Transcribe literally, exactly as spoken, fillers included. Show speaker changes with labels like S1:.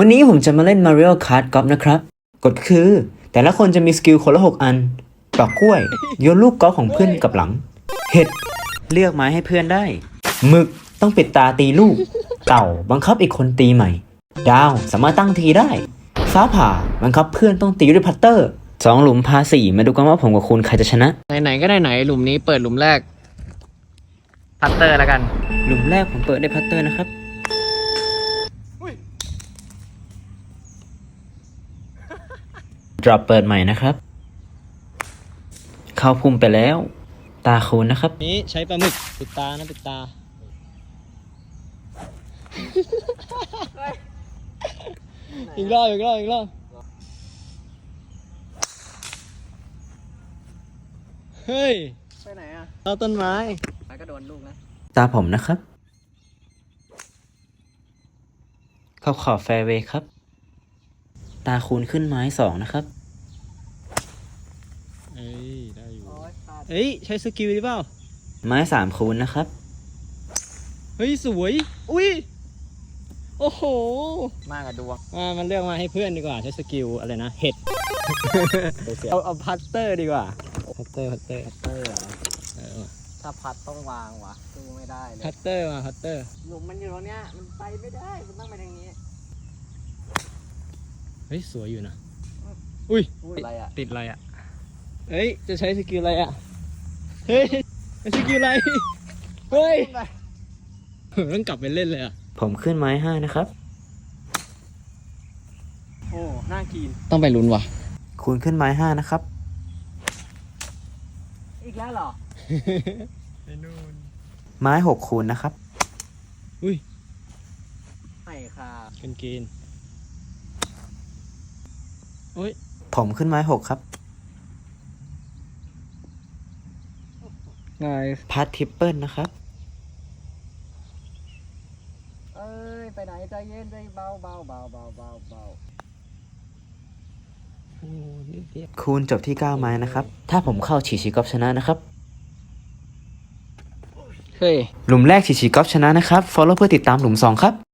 S1: วันนี้ผมจะมาเล่น Mario Kart Golf นะครับกฎคือแต่ละคนจะมีสกิลคนละหกอันปอกกล้วยโยนลูกกอล์ฟของเพื่อนกับหลังเห็ดเลือกไม้ให้เพื่อนได้หมึกต้องปิดตาตีลูกเต่าบังคับอีกคนตีใหม่ดาวสามารถตั้งทีได้ฟ้าผ่าบังคับเพื่อนต้องตีด้วยพัตเตอร์สองหลุมพาสี่มาดูกันว่าผมกับคุณใครจะชนะ
S2: ไหนๆก็ไหนๆหลุมนี้เปิดหลุมแรกพัตเตอร์แล้วกัน
S1: หลุมแรกผมเปิดด้วยพัตเตอร์นะครับดรอปเปิดใหม่นะครับเข้าพุ่มไปแล้วตาคูณนะครับ
S2: นี้ใช้ปลาหมึกปิดตานะปิดตาอีกรอบอีกรอบอีกรอบเฮ้ยไปไหนอ่ะเอาต้นไม้ไปก็โดนลูกนะ
S1: ตาผมนะครับเข้าขอบแฟร์เวย์ครับตาคูณขึ้นไม้สองนะครับ
S2: เอ้ยได้อยู่เฮ้ยใช้สกิลหรือเปล่า
S1: ไม้สามคูณนะครับ
S2: เฮ้ยสวยอุ้ยโอ้โหมากกับดวงมามันเลือกมาให้เพื่อนดีกว่าใช้สกิลอะไรนะเห็ดเอาเอาพัตเตอร์ดีกว่าพัตเตอร์พัตเตอร์พัตเตอร์
S3: ถ้าพัดต้องวางวะสู้ไม่ได้เลย
S2: พัตเตอร์มาพัตเตอร์
S3: หลุมมันอยู่ตรงเนี้ยมันไปไม่ได้มันต้องไปทางนี้
S2: เฮ้ยสวยอยู่นะอุ้ย
S3: อะไรอ่ะ
S2: ติดอะไรอ่ะเฮ้ยจะใช้สกิลอะไรอ่ะเฮ้ยสกิลอะไรเฮ้ยต้องกลับไปเล่นเลยอ่ะ
S1: ผมขึ้นไม้ห้านะครับ
S2: โอ้น่ากินต้องไปลุ้นว่ะ
S1: คูณขึ้นไม้ห้านะครับ
S3: อีกแล้วเหรอ
S2: ไอ้นู่น
S1: ไม้หกคูณนะครับ
S2: อุ้ย
S3: ไม่ค่ะ
S2: เป็นเกณฑ์โอ้ย
S1: ผมขึ้นไม้หกครับ
S2: ไง
S1: พัดทริปเปิลนะครับ
S3: เอ้ยไปไหนใจเย็นใจเบาเบาเบาเบาเบาเบา
S1: คูณจบที่เก้าไม้นะครับถ้าผมเข้าฉีชีกอล์ฟชนะนะครับ
S2: เฮ้ย
S1: หลุมแรกฉีชีกอล์ฟชนะนะครับ follow เพื่อติดตามหลุมสองครับ